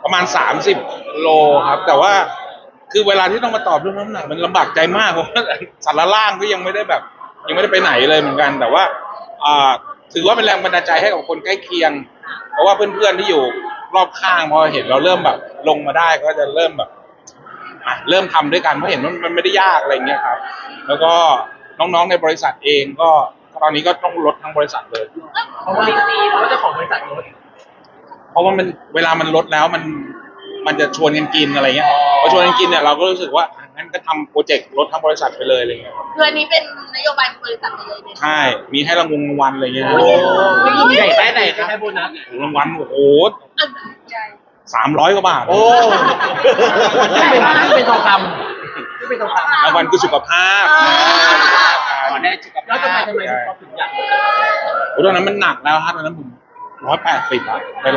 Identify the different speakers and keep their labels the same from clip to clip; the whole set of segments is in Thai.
Speaker 1: ประมาณ30 โลครับแต่ว่าคือเวลาที่ต้องมาตอบเรื่องน้ำหนักมันลำบากใจมากเพราะว่าสารล่างก็ยังไม่ได้แบบยังไม่ได้ไปไหนเลยเหมือนกันแต่ว่าอ่าถือว่าเป็นแรงบันดาลใจให้กับคนใกล้เคียงเพราะว่าเพื่อนๆที่อยู่รอบข้างพอเห็นเราเริ่มแบบลงมาได้ก็จะเริ่มแบบเริ่มทำด้วยกันเพราะเห็นว่ามันไม่ได้ยากอะไรเงี้ยครับแล้วก็น้องๆในบริษัทเองก็ตอนนี้ก็ต้องลดทั้งบริษัทเลย
Speaker 2: เพราะว่าเจ้าของบริษัทรถ
Speaker 1: เพราะว่ามันเวลามันลดแล้วมันจะชวนกันกินอะไรเงี้ยพอชวนกันกินเนี่ยเราก็รู้สึกว่างั้นก็ทำโปรเจกต์ลดทั้งบริษัทไปเลยอะไรเงี้ย
Speaker 3: คืออันนี้เป็นนโยบายของบริษัทเลยเนี่ย
Speaker 1: ใช่มีให้รางวัลอะไรเงี้ย
Speaker 2: ไม่ยินใหญ่ได้ไหนครับให้โบนัส
Speaker 1: รางวัลโอ้โห
Speaker 3: ใช่
Speaker 1: 300 กว่าบาท
Speaker 2: โอ้ที่เป็นทองคำที่เป็นทองคำ
Speaker 1: รางวัลคือสุขภาพ
Speaker 2: ขอได้สุขภาพแล้วทำไมเขาถึงอยาก
Speaker 1: โอ้ตอนนั้นมันหนักแล้วครับตอนนั้นผม180อะไป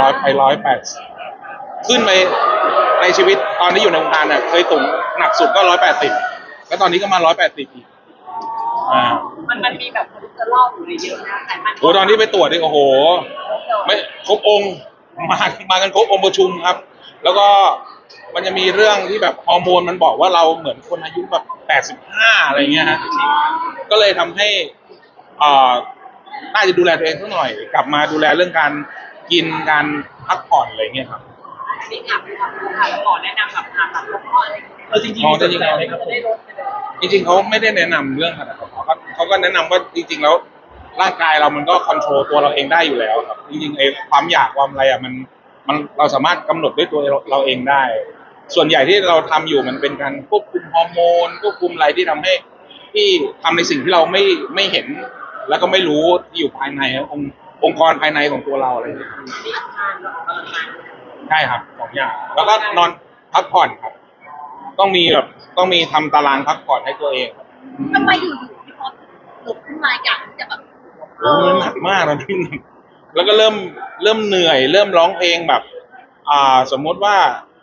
Speaker 1: 180ขึ้นไปในชีวิตตอนที่อยู่ในวงการเนี่ยเคยตุ่มหนักสุดก็180แล้วตอนนี้ก็มา180อีก
Speaker 3: มันมีแบบคอเลสเตอรอลอยู่ในเยอะนะไขมัน
Speaker 1: โอ้ตอนที่ไปตรวจนี่โอ้โหไม่ครบองค์มากันครบองค์ประชุมครับแล้วก็มันจะมีเรื่องที่แบบฮอร์โมนมันบอกว่าเราเหมือนคนอายุแบบ85อะไรเงี้ยฮะก็เลยทำให้น่าจะดูแลตัวเองสักหน่อยกลับมาดูแลเรื่องการกินการพักผ่อนอะไรเงี้ยครับ
Speaker 3: จริงอ่ะแล้วหมอแนะนำแบบผ่าตัดลดอะไร
Speaker 2: จริงๆจะได้ลด
Speaker 1: จริงๆเขาไม่ได้แนะนำเรื่องขนาดนั้นเขาก็แนะนำว่าจริงๆแล้วร่างกายเรามันก็คอนโทรลตัวเราเองได้อยู่แล้วครับจริงๆไอ้ความอยากความอะไรอ่ะมันเราสามารถกำหนดด้วยตัวเราเองได้ ส่วนใหญ่ที่เราทำอยู่มันเป็นการควบคุมฮอร์โมนควบคุมอะไรที่ทำให้ที่ทำในสิ่งที่เราไม่เห็นแล้วก็ไม่รู้ที่อยู่ภายในองค์กรภายในของตัวเราอะไรอย่างเงี้ยใช่ครับ2 อย่างแล้วก็นอนพักผ่อนครับต้องมีทำตารางพักผ่อนให้ตัวเอง
Speaker 3: ทำไมอยู่ๆพี่พอหลุดขึ้นมาอยากจะแบบ
Speaker 1: โอ้มันหนักมากนะพี่แล้วก็เริ่มเหนื่อยเริ่มร้องเพลงแบบสมมติว่า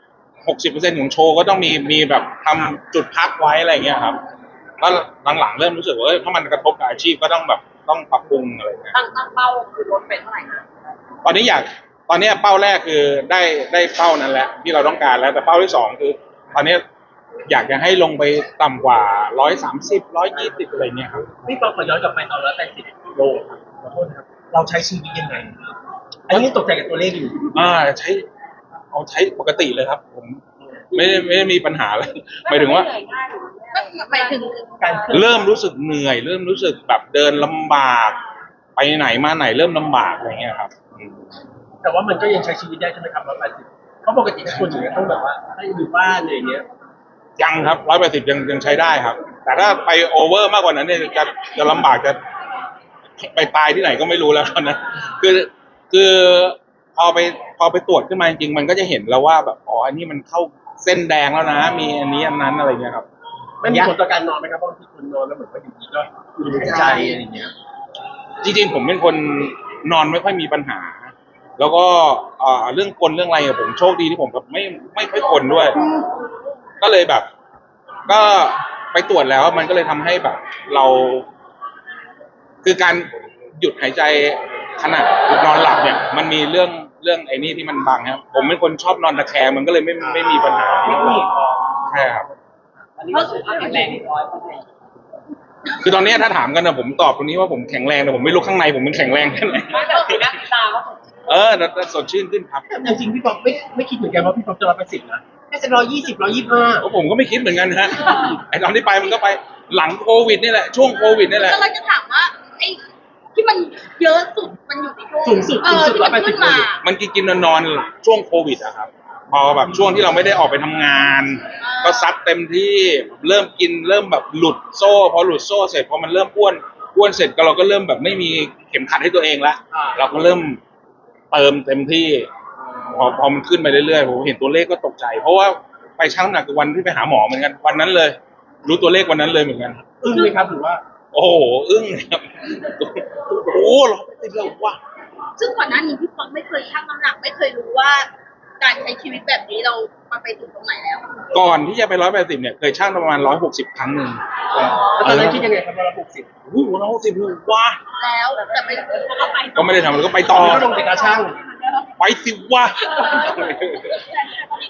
Speaker 1: 60%ของโชว์ก็ต้องมีแบบทำจุดพักไว้อะไรเงี้ยครับแล้วหลังๆเริ่มรู้สึกว่าถ้ามันกระทบกับอาชีพก็ต้องปรับปรุงอะไรเงี้ย
Speaker 3: ตั้งเป้าคือลดไปเท่าไหร่นะ
Speaker 1: ตอนนี้เป้าแรกคือได้เป้านั้นแหละที่เราต้องการแล้วแต่เป้าที่2คือตอนนี้อยากจะให้ลงไปต่ำกว่า130 120อะไรเงี้ยครับ
Speaker 2: พี่ปอขอย้อนกลับไปตอน180 โลครับขอโทษนะครับเราใช้ชีวิตยังไงอันนี้ตกใจกับตัวเลขอยู่
Speaker 1: ใช้ปกติเลยครับผมไม่ได้มีปัญหาอะไรหมายถึงว่า
Speaker 3: ไปถึง
Speaker 1: เริ่มรู้สึกเหนื่อยเริ่มรู้สึกแบบเดินลำบากไปไหนมาไหนเริ่มลำบากอะไรเงี้ยครับ
Speaker 2: แต่ว่ามันก็ยังใช้ชีวิตได้ใช่ไหมครับ180เขาปกติทุกคนอย่างเงี้ยต้องแบบว่าให้อยู่บ้านอะไรอย่างเงี้ย
Speaker 1: ยังครับ180ยังใช้ได้ครับแต่ถ้าไปโอเวอร์มากกว่านั้นเนี่ยจะลำบากจะไปตายที่ไหนก็ไม่รู้แล้วตอนนั้นคือพอไปตรวจขึ้นมาจริงๆมันก็จะเห็นแล้วว่าแบบอันนี้มันเข้าเส้นแดงแล้วนะมีอันนี้อันนั้นอะไรเงี้ยครับ
Speaker 2: ไม่มีผลต่อการนอนไหมครับบางทีคนนอนแล้วเหมือนว่าอยู่ดีก็อยู่ในใจอะไรอย่างเงี้ย
Speaker 1: จริงๆผมเป็นคนนอนไม่ค่อยมีปัญหาแล้วก็เรื่องกลเรื่องอะไรผมโชคดีที่ผมแบบไม่ค่อยกลด้วยก็เลยแบบก็ไปตรวจแล้วมันก็เลยทำให้แบบเราคือการหยุดหายใจขณะนอนหลับเนี่ยมันมีเรื่องไอ้นี่ที่มันบังครับผมเป็นคนชอบนอนตะแคงมันก็เลยไม่มีปัญหาใช่ครับคือตอนนี้ถ้าถามกันนะผมตอบตรงนี้ว่าผมแข็งแรงแต่ผมไม่รู้ข้างในผมเป็นแข็งแรงแค่ไหนแต่สดชื่นขึ้นครับ
Speaker 2: จริงๆพี่ป๊อปไม่คิดเหมือนกันว่าพี่ป๊อปจะ180นะแค่จะ120 125
Speaker 1: ผมก็ไม่คิดเหมือนกันฮะไอ้ตอนที่ไปมันก็ไปหลังโควิดนี่แหละช่วงโควิดนี่แหละ
Speaker 3: ก็เราจะถามว่าไอ้ที่มันเยอะสุดมันอยู่ที่ช่วง
Speaker 2: สูงสุด
Speaker 3: ที่มันขึ้นมา
Speaker 1: มันกินนอนช่วงโควิดอะครับพอแบบช่วงที่เราไม่ได้ออกไปทำงานก็ซัดเต็มที่เริ่มกินเริ่มแบบหลุดโซ่พอหลุดโซ่เสร็จพอมันเริ่มอ้วนเสร็จก็เราก็เริ่มแบบไม่มีเข็มขัดให้ตัวเองละเราก็เริ่มเติมเต็มที่พอมันขึ้นไปเรื่อยๆผมเห็นตัวเลขก็ตกใจเพราะว่าไปชั่งน้ำหนักวันที่ไปหาหมอเหมือนกันวันนั้นเลยรู้ตัวเลขวันนั้นเลยเหมือนกัน
Speaker 2: อึ้งไหมครับหรือว่า
Speaker 1: โอ้โหอึ้งครับโอ้โห180แล้วว่ะ
Speaker 3: ซึ่งก่อนหน้านี้พี่ป๊อปไม่เคยชั่งน้ำหนักไม่เคยรู้ว่าการใช้ชีวิตแบบนี้เราไปถึงตรงไหนแล้ว
Speaker 1: ก่อนที่จะไป180เนี่ยเคยชั่งประมาณ160ครั้งนึง
Speaker 2: ตอนนั้นคิดยังไงครับ160
Speaker 1: โอ้โห160เลยว่ะ
Speaker 3: แล้วแต่
Speaker 1: ก็ไม่ได้ทำแล้วก็ไปต่อ
Speaker 2: ก็ลงไปกระชั่ง
Speaker 1: ไปสิวะ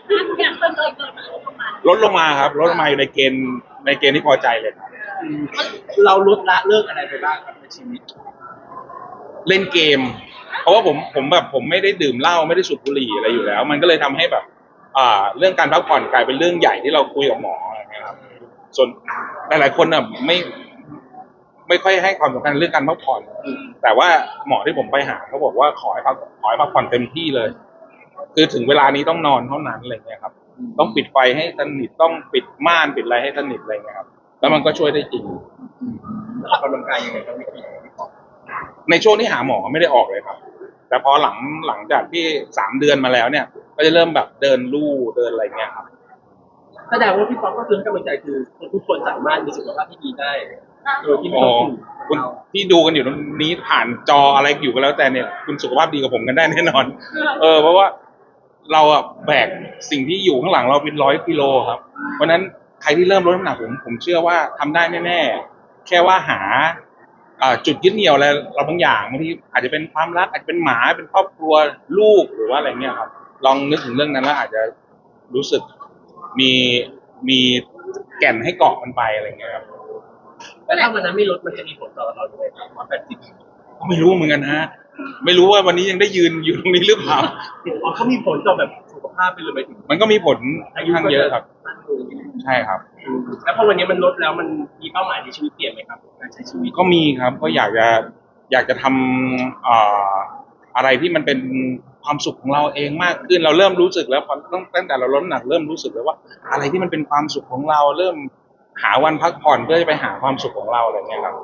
Speaker 3: อย่างเพิ่มเติมมา
Speaker 1: ลดลงมาครับลดลงมาอยู่ในเกณฑ์ที่พอใจเลยครับ
Speaker 2: เราลดละเลิกอะไรไปบ้างครับในชีวิต
Speaker 1: เล่นเกม เพราะว่าผมไม่ได้ดื่มเหล้าไม่ได้สูบบุหรี่อะไรอยู่แล้ว มันก็เลยทำให้แบบเรื่องการพักผ่อนกลายเป็นเรื่องใหญ่ที่เราคุยกับหมออะไรเงี้ยครับส่วนหลายๆคนน่ะไม่ค่อยให้ความสำคัญเรื่องการพักผ่อน แต่ว่าหมอที่ผมไปหาเขาบอกว่าขอให้พักผ่อนเต็มที่เลย คือถึงเวลานี้ต้องนอนเท่านั้นอะไรเงี้ยครับ ต้องปิดไฟให้สนิทต้องปิดม่านปิดอะไรให้สนิทอะไรเงี้ยครับ แล้วมันก็ช่วยได้จริง
Speaker 2: ออกกำลังกายยังไงครับวิธีพี่ปอง
Speaker 1: ในช่วงที่หาหมอไม่ได้ออกเลยครับ แต่พอหลังจากที่3 เดือนมาแล้วเนี่ย ก็จะเริ่มแบบเดินลู่เดินอะไรเงี้ยครับ
Speaker 2: แสดงว่าพี่ปองก็คือกำลังใจคือทุกคนสามารถมีสุขภาพที่ดีได้โดยที่ไม่
Speaker 1: อ๋อ
Speaker 2: ต้อง
Speaker 1: คุณที่ดูกันอยู่ตรงนี้ผ่านจออะไรอยู่ก็แล้วแต่เนี่ย คุณสุขภาพดีกับผมกันได้แน่นอน เพราะว่าเราอะแบกสิ่งที่อยู่ข้างหลังเราเป็น100 กิโลครับ เพราะฉะนั้นใครที่เริ่มลดน้ำหนักผมเชื่อว่าทำได้แน่ๆแค่ว่าหาจุดยึดเหนี่ยวอะไรเราบางอย่างบางทีอาจจะเป็นความรักอาจจะเป็นหมาเป็นครอบครัวลูกหรือว่าอะไรเงี้ยครับ ลองนึกถึงเรื่องนั้นแล้วอาจจะรู้สึกมีแก่นให้เกาะมันไปอะไรเงี้ยครับ
Speaker 2: แต่ถ้าวันนั้นไม่ลดมันจะมีผลต่อเราด้วยครับ180
Speaker 1: ก็ไม่รู้เหมือนกันฮะไม่รู้ว่าวันนี้ยังได้ยืนอยู่ตรงนี้หรือเปล่า
Speaker 2: อ๋อเขามีผลต่อแบบสุขภาพไปเลยไปถึง
Speaker 1: มันก็มีผลค่อนข้างเยอะครับ
Speaker 2: สั้นลง
Speaker 1: ใช่ครับ
Speaker 2: แล้วพอวันนี้มันลดแล้วมันมีเป้าหมายในชีวิตเปลี่ยนไหมครับการใช้ชีวิต
Speaker 1: ก็มีครับก็อยากจะทำอะไรที่มันเป็นความสุขของเราเองมากขึ้นเราเริ่มรู้สึกแล้วพอตั้งแต่เราลดน้ำหนักเริ่มรู้สึกแล้วว่า อะไรที่มันเป็นความสุขของเราเริ่มหาวันพักผ่อนเพื่อจะไปหาความสุขของเราอะไรเงี้ยครับ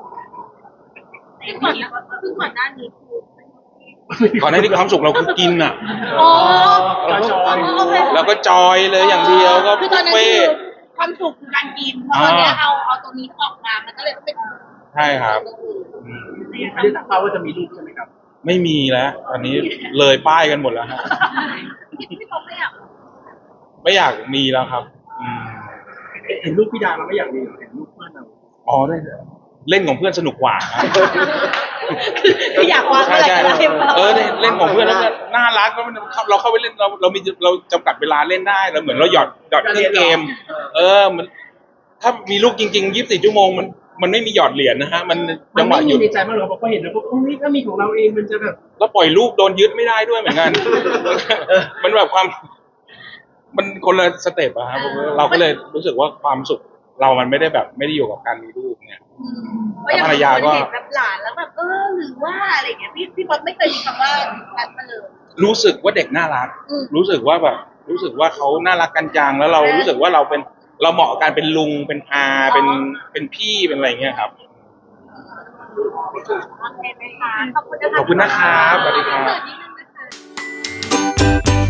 Speaker 3: ซึ่งก่อนหน้านี้คือ
Speaker 1: ก่อนหน้านี้ความสุขเราคือกินอ่ะ
Speaker 3: อ๋อ
Speaker 1: เราก็จอยเลยอย่างเดียวก็
Speaker 3: คือตอนนั้นคือความสุขคือการกินเพราะตอนเนี้ยเอาตัวนี้ออกมามันก็เลยเป็น
Speaker 1: ใช่ครับอืม
Speaker 2: ไม่ได้ตั้งเป้าว่าจะมีลูกใช่ไหมครับ
Speaker 1: ไม่มีแล้วตอนนี้เลยป้ายกันหมดแล้วฮะ
Speaker 3: พี่เขาไม่อยาก
Speaker 1: ไม่อยากมีแล้วครับ
Speaker 2: เห็นลูกพี่ดาเราไม่อยากมีเห็นลูกเพื่อนเรา
Speaker 1: อ๋อได้เล่นของเพื่อนสนุกกว่าครับ
Speaker 3: คืออยากวาง
Speaker 1: ใช่
Speaker 3: อะไร
Speaker 1: ใช่
Speaker 3: อะไร
Speaker 1: เล่นของเพื่อนแล้วก็น่ารักแล้วมันเราเข้าไปเล่นเราจำกัดเวลาเล่นได้เราเหมือนเราหยอดเครื่องเกม มันถ้ามีลูกจริงๆ24 ชั่วโมงมันไม่มีหยอดเหรียญนะฮะมัน
Speaker 2: มั
Speaker 1: จั
Speaker 2: น
Speaker 1: งหวะ
Speaker 2: ไม่
Speaker 1: ห
Speaker 2: มี
Speaker 1: ยุด
Speaker 2: ในใจบ้างหรอเพราะเห็นแล้วก็โอ้ยถ้ามีของเราเองมันจะแบบ
Speaker 1: แล้วปล่อยลูกโดนยึดไม่ได้ด้วยเหมือนกัน มันแบบมันคนละสเต็ปอะครับเราก็เลยรู้สึกว่าความสุขเรามันไม่ได้อยู่กับการมีลูกเนี่ย
Speaker 3: เพราะอย่างคนเห็นแบบหลานแล้วแบบหรือว่าอะไรเงี้ยพี่บอลไม่เคยมีคำว่านั้นมาเลย
Speaker 1: รู้สึกว่าเด็กน่ารัก รู้สึกว่าเขาน่ารักกันจังแล้วเรารู้สึกว่าเราเหมาะกับการเป็นลุงเป็นอาเป็นพี่เป็นอะไรเงี้ยครับ
Speaker 3: โอเคไหมคะขอบคุณนะคะ
Speaker 1: ขอบคุณนะครับสวัสดีครับ
Speaker 3: เปิดนิดนึงนะคะ